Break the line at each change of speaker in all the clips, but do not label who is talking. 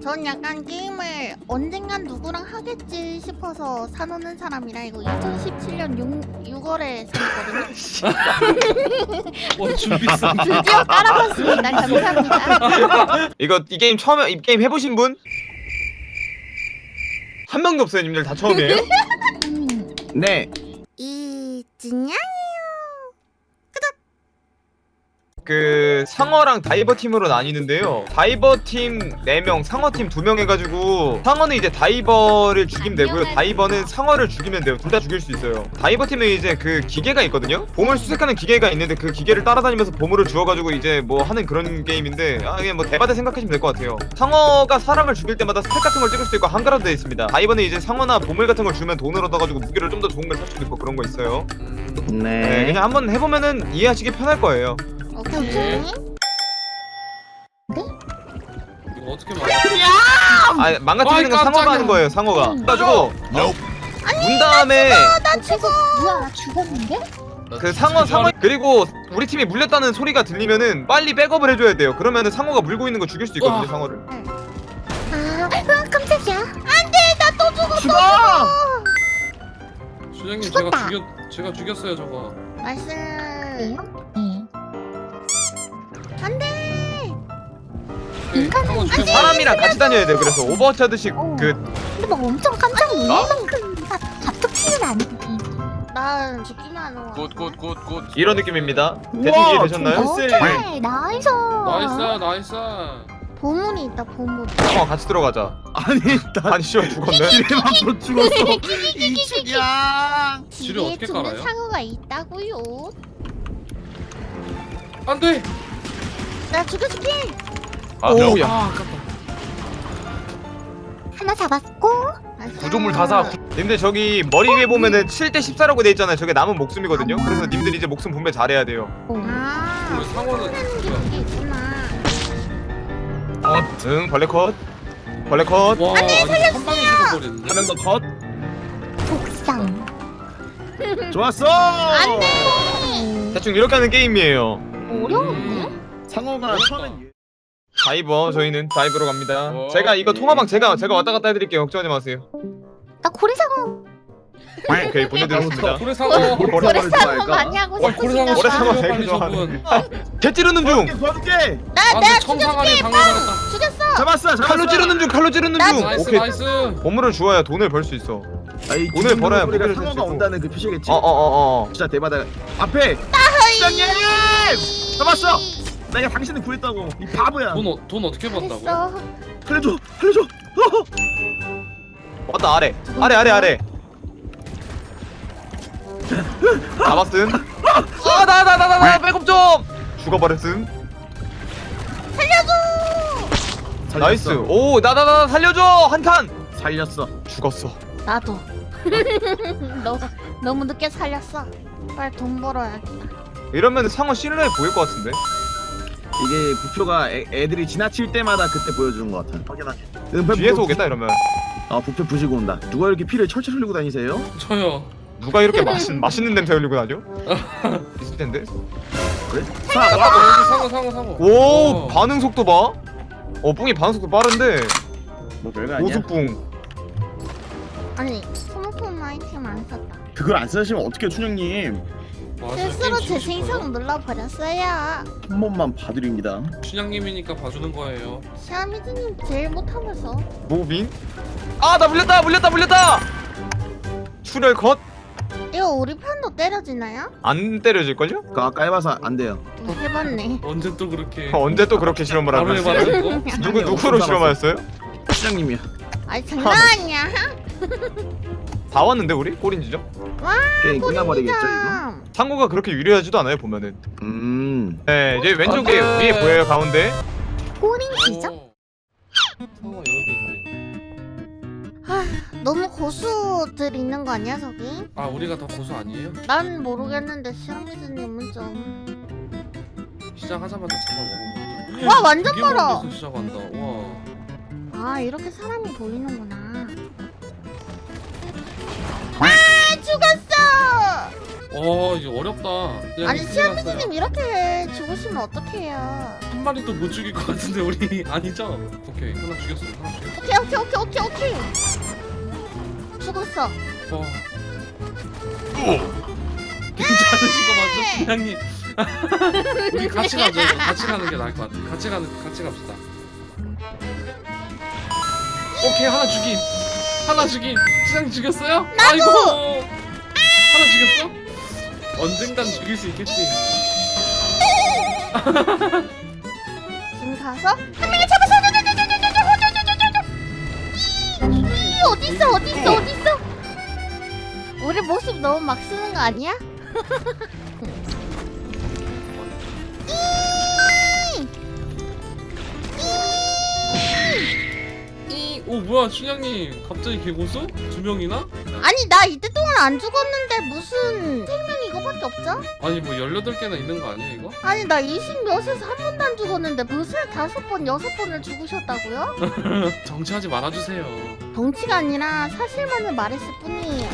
전 약간 게임을 언젠간 누구랑 하겠지 싶어서 사놓는 사람이라 이거 2017년 6월에 샀거든요.
준비성.
드디어 깔아봤습니다. 감사합니다.
이 게임 처음에 이 게임 해보신 분? 한 명도 없어요, 님들 다 처음이에요?
네.
이진양?
그 상어랑 다이버 팀으로 나뉘는데요. 다이버 팀 4명, 상어 팀 2명 해가지고 상어는 이제 다이버를 죽이면 되고요. 다이버는 상어를 죽이면 돼요. 둘 다 죽일 수 있어요. 다이버 팀은 이제 그 기계가 있거든요. 보물 수색하는 기계가 있는데 그 기계를 따라다니면서 보물을 주워가지고 이제 뭐 하는 그런 게임인데 이게 뭐 대바대 생각하시면 될 것 같아요. 상어가 사람을 죽일 때마다 스택 같은 걸 찍을 수도 있고 한가로도 되어 있습니다. 다이버는 이제 상어나 보물 같은 걸 주면 돈을 얻어가지고 무기를 좀 더 좋은 걸 살 수도 있고 그런 거 있어요. 네, 그냥 한번 해보면은 이해하시기 편할 거예요.
오케이.
이거 어떻게 막아?
망가뜨리는 건 상어가 하는 거예요. 상어가. 그래가지고 문 다음에
나 죽어.
뭐야 나 죽었는데?
그 상어 그리고 우리 팀이 물렸다는 소리가 들리면은 빨리 백업을 해줘야 돼요. 그러면은 상어가 물고 있는 거 죽일 수 있거든요. 상어를.
아 깜짝이야.
안돼, 나 또 죽었어.
죽어!
수장님
죽었다.
제가 죽였어요 저거.
말씀.
네.
안돼.
상어 죽여봐.
사람이랑 같이 다녀야 돼요. 그래서 오버워치 하듯이
어.
그
근데 막 엄청 깜짝 놀랄 만큼 잡특치는 아니지.
난 죽기만 하는 거.
굿.
이런 느낌입니다. 대충 이해되셨나요?
글쎄.
오케이 나이스.
나이스.
보물이 있다, 보물.
상어 같이 들어가자.
아니 나
아니 씨발 죽었네.
지뢰만 못 죽었어. 이춘향.
지뢰 어떻게
죽는
깔아요?
상어가 있다고요.
안돼.
나 죽여줄게.
오야.
아깝다.
하나 잡았고.
구조물 다 사. 님들 저기 머리 위에 보면은 7대 14라고 돼 있잖아요. 저게 남은 목숨이거든요. 그래서 님들 이제 목숨 분배 잘해야 돼요.
아,
우리 상어는
하는 게 그게 있구나.
응, 벌레 컷. 벌레 컷.
와 아니 한 방에 죽어버리는데.
한 명 더 컷.
독상.
좋았어.
대충 이렇게 하는 게임이에요.
어려운데?
상어가 처음엔
다이버 저희는 다이버로 갑니다.
어.
제가 이거 통화방 제가 왔다 갔다 해드릴게요. 걱정하지 마세요.
나 고래상어.
오케이 보내드렸습니다.
고래 상어.
고래 상어 많이 하고
고래 상어
싶으신가
상어
봐.
되게
빨리
좋아하네.
저분.
개 찌르는 중.
도와줄게.
내가
청상아리 당해버렸다.
죽였어.
잡았어.
칼로 찌르는 중. 칼로 찌르는 중.
나이스
오케이.
나이스.
보물을 주어야 돈을 벌 수 있어.
아이,
오늘 벌어야
우리가
무게를
상어가
셀수 있고.
온다는 그 표시겠지.
어어어어.
진짜 대바다. 앞에 시장님 잡았어. 내가 당신을 구했다고. 이 바보야.
돈 어떻게 번다고?
됐어.
살려줘. 살려줘.
왔다 아래. 아래. 잡았음. 나 백업 좀. 죽어버렸음.
살렸어.
나이스. 오 나 살려줘 한 칸.
살렸어.
죽었어.
나도. 너 너무 늦게 살렸어. 빨리 돈 벌어야겠다.
이러면 상어 신뢰 보일 것 같은데.
이게 부표가 애들이 지나칠 때마다 그때 보여주는 것 같아. 확인하게.
뒤에서 오겠다 이러면.
부표 부시고 온다. 누가 이렇게 피를 철철 흘리고 다니세요?
저요.
누가 이렇게 맛있는 냄새 흘리고 다녀? 있을 텐데.
그래?
여기 상어.
오 반응 속도 봐. 뿡이 반응 속도 빠른데.
뭐 별거 아니야.
고수뿡.
아니, 스마트폰 아이템 안 썼다.
그걸 안 쓰시면 어떻게 춘영님?
실수로 재생성 눌러버렸어요.
한 번만 봐드립니다.
춘향님이니까 봐주는 거예요.
샤미즈님 제일 못하면서.
무빙? 나 물렸다. 출혈 컷?
이거 우리 편도 때려지나요?
안 때려질걸요?
그거 아까 해봐서 안 돼요.
해봤네.
언제 또 그렇게?
언제 또 그렇게 실험을
바로
하고 있어요?
해봐는 거?
누구로 실험하였어요?
춘영님이야.
아니 장난 아니야.
다 왔는데 우리? 꼴인지죠?
게임 끝나버리겠죠 이거?
참.
상고가 그렇게 유리하지도 않아요 보면은. 네 이제 왼쪽에
안 돼.
위에 보여요 가운데.
꼬링지죠?
상어 여기 있네.
너무 고수들 있는 거 아니야 저기?
아 우리가 더 고수 아니에요?
난 모르겠는데 샤미즈님은 좀.
시작하자마자 잡아 먹어.
와, 완전 멀어.
시작한다. 와.
아 이렇게 사람이 보이는구나. 아 죽었어.
이제 어렵다. 그냥
아니
큰일
시아미님 이렇게 죽으시면 어떡해요.
한 마리도 못 죽일 것 같은데 우리 아니죠? 오케이 하나 죽였어. 하나 죽였어.
오케이. 죽었어.
괜찮으신 거 맞죠, 부장님? 우리 같이 가죠. 이거. 같이 가는 게 나을 것 같아. 같이 갑시다. 오케이 하나 죽임. 부장님 죽였어요? 아이고. 하나 죽였어? 언젠간 죽일 수 있겠지.
지금 가서 한 명을 잡았어. 어딨어? 우리 모습 너무 막 쓰는 거 아니야?
오 뭐야 춘향님 갑자기 개고수? 2명이나?
아니 나 이때 동안 안 죽었는데 무슨 생명 이거밖에 없죠?
아니 뭐 18개나 있는 거 아니야 이거?
아니 나 20몇에서 한 번도 안 죽었는데 무슨 5번, 6번을 죽으셨다고요?
정치하지 말아주세요.
덩치가 아니라 사실만을 말했을 뿐이에요.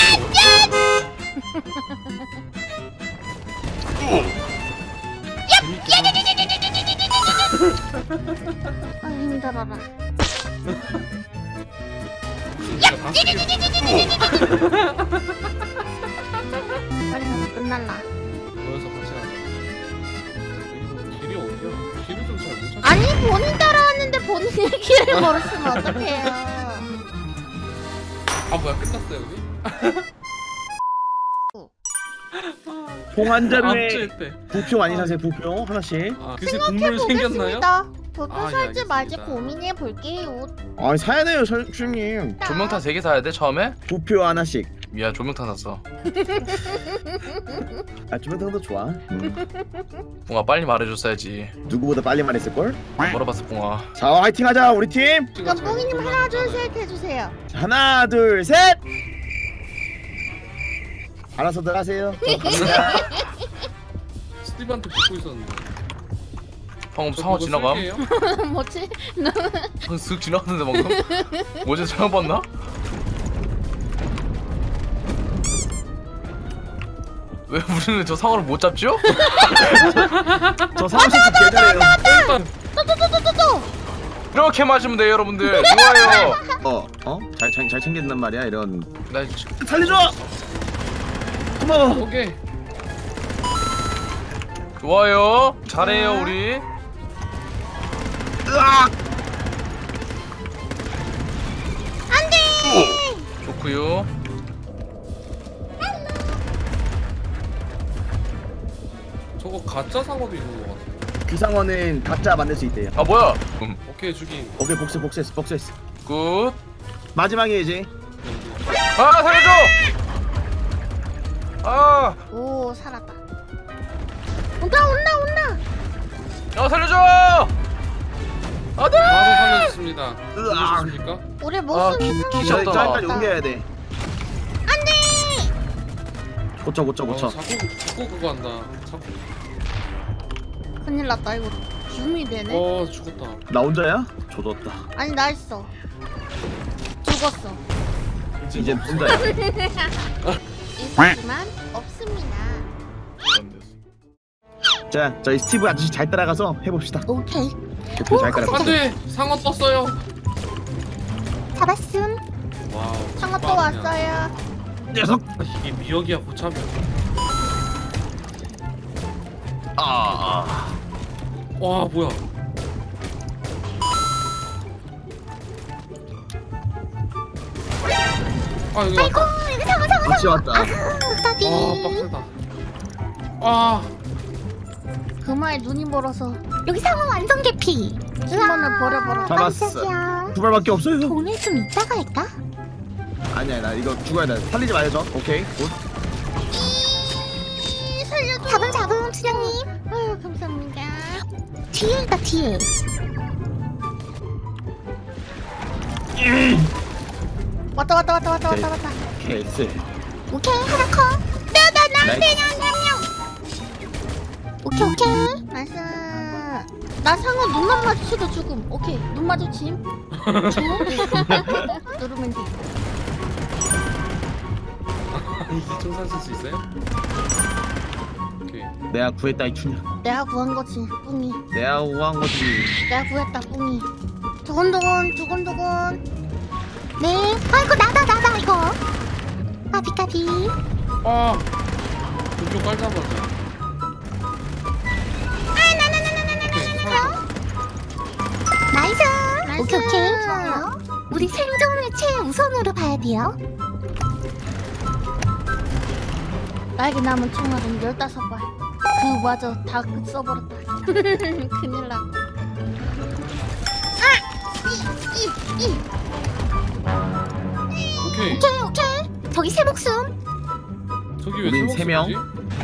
아 힘들어라.
내가 다 쓰게
빨리 가서 끝날라.
모여서 같이 가자. 이거 길이 어디야? 길을 좀 잘 못 찾아.
아니 본인 따라왔는데 본인의 길을 모르시면 어떡해요.
아 뭐야 끝났어요 우리?
봉환자루에
압수했대.
부표 많이 사세요. 부표 하나씩.
아 그새 국물 생겼나요?
보겠습니다. 도표
아, 예,
살지 말지
알겠습니다.
고민해 볼게요.
아 사야 돼요, 주님.
조명탄 3개 사야 돼 처음에?
부표 하나씩.
미안 조명탄 샀어.
아 주변탕도 좋아.
붕아 빨리 말해줬어야지.
누구보다 빨리 말했을 걸.
물어봤어 붕아.
자 화이팅하자 우리 팀.
그럼 뽕이님 하나 둘 셋 해주세요.
하나 둘 셋. 알아서들 하세요. 저 갑니다.
스티브한테 붙고 있었는데.
방금
저
상어
그거
지나감?
쓸게요?
뭐지?
쓱 지나갔는데 방금? 어제 처음 봤나? 왜 우리는 저 상어를 못 잡죠?
저 상식 개잘해요.
일단
또또또또또.
이렇게 마시면 돼요 여러분들. 좋아요.
잘 챙긴단 말이야 이런.
나
살려줘. 고마워.
오케이.
좋아요. 잘해요 우리.
으악.
좋구요.
저거 가짜 상어도 있는 것 같아.
귀상어는 각자 만들 수 있대요.
아 뭐야?
오케이 죽임.
오케이 복수했어.
굿.
마지막이지.
아 살려줘. 아,
오 살았다. 온다.
야 살려줘. 안돼.
바로 살려줬습니다.
으악.
죽으셨습니까?
우리
아,
모습
기-
이상한
기셨다.
거
저기까지
같다.
옮겨야 돼. 안돼. 고쳐.
자꾸 그거 한다. 자꾸.
큰일 났다 이거. 줌이 되네.
죽었다.
나 혼자야? 조졌다.
아니 나 있어. 죽었어.
이젠 혼자야.
있지만 없습니다.
자, 저희 스티브 아저씨 잘 따라가서 해봅시다.
오케이.
오케이, 잘 따라가.
안돼 상어 떴어요.
잡았음.
와우.
상어 또
찐빵이야.
왔어요.
녀석.
아, 이게 미역이야 고참이야.
아.
와 뭐야? 아 여기 왔다.
같이 왔다.
까비.
빡세다. 아
그마에 눈이 멀어서
여기 상어 완전 개피.
팀원을 버려버려.
잡았어.
깜짝이야.
두 발밖에 없어요.
돈을 좀 이따가 할까?
아니야, 나 이거 죽어야 돼. 살리지 마요, 저. 오케이. 굿.
살려줘.
잡음 수장님.
아유 감사합니다.
뒤에 있다 뒤에.
왔다.
케이스.
오케이 하나 컷. 오케이.
나이스. 나 상어 눈만 마주쳐도 죽음. 오케이 눈 마주침. 누르면 돼.
총산 쓸 수 있어요? 오케이.
내가 구했다 이 춘향.
내가 구한 거지 뿡이.
내가 구한 거지.
내가 구했다 뿡이. 두근두근 두근두근.
네. 아이고 나다 이거. 까비까비.
아 그쪽 깔자마자.
나이스.
나이스.
오케이. 좋아요. 우리 생존을 최우선으로 봐야 돼요.
나에게 남은 총알은 15발. 그마저 다 써버렸다. 큰일 나.
오케이.
오케이. 저기 새 목숨.
저기 왜
우린 세 명.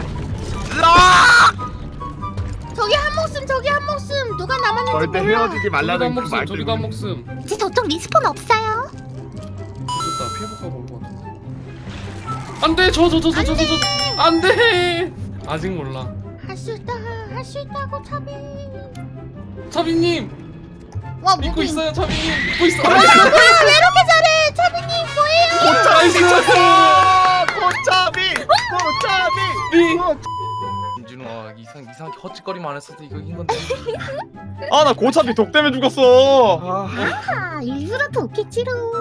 저기 한 목숨 저기 한 목숨. 누가 남았는지
절대
몰라.
헤어지지
저기도 한
말라는 그
목숨.
말
저기도 한
때문에.
목숨.
이제 저쪽 리스폰 없어요.
좋다. 피해볼까 볼것 같은데. 안돼 저 안돼. 아직 몰라.
할 수 있다 할 수 있다고 차비.
차비님
와
믿고
무빙.
있어요. 차비님 믿고 있어.
왜 이렇게 잘해 차비님 뭐예요?
나이스.
고차비.
미.
김진우가 이상하게 헛짓거리만 안 했어도 이거 인 건데.
아 나 고차비 독 때문에 죽었어.
아 일부러 돕겠지롱.